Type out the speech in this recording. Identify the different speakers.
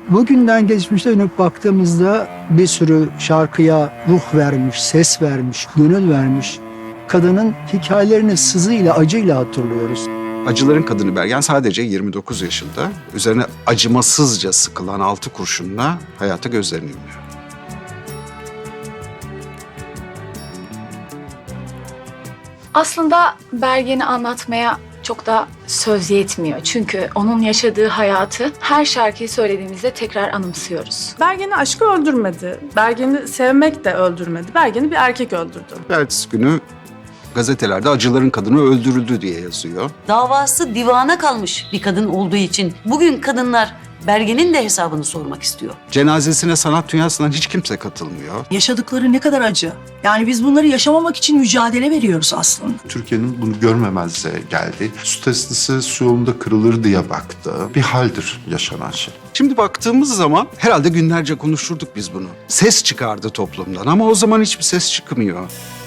Speaker 1: Bugünden geçmişte dönüp baktığımızda bir sürü şarkıya ruh vermiş, ses vermiş, gönül vermiş kadının hikayelerini sızıyla, acıyla hatırlıyoruz.
Speaker 2: Acıların Kadını Bergen sadece 29 yaşında. Üzerine acımasızca sıkılan 6 kurşunla hayata gözlerini yumuyor.
Speaker 3: Aslında Bergen'i anlatmaya çok da söz yetmiyor. Çünkü onun yaşadığı hayatı her şarkıyı söylediğimizde tekrar anımsıyoruz.
Speaker 4: Bergen'i aşkı öldürmedi. Bergen'i sevmek de öldürmedi. Bergen'i bir erkek öldürdü.
Speaker 2: Ertesi günü gazetelerde acıların kadını öldürüldü diye yazıyor.
Speaker 5: Davası divana kalmış bir kadın olduğu için bugün kadınlar Bergen'in de hesabını sormak istiyor.
Speaker 2: Cenazesine sanat dünyasından hiç kimse katılmıyor.
Speaker 6: Yaşadıkları ne kadar acı. Yani biz bunları yaşamamak için mücadele veriyoruz aslında.
Speaker 7: Türkiye'nin bunu görmemezliğe geldi. Su testisi su yolunda kırılır diye baktı. Bir haldir yaşanan şey.
Speaker 2: Şimdi baktığımız zaman herhalde günlerce konuşurduk biz bunu. Ses çıkardı toplumdan ama o zaman hiçbir ses çıkmıyor.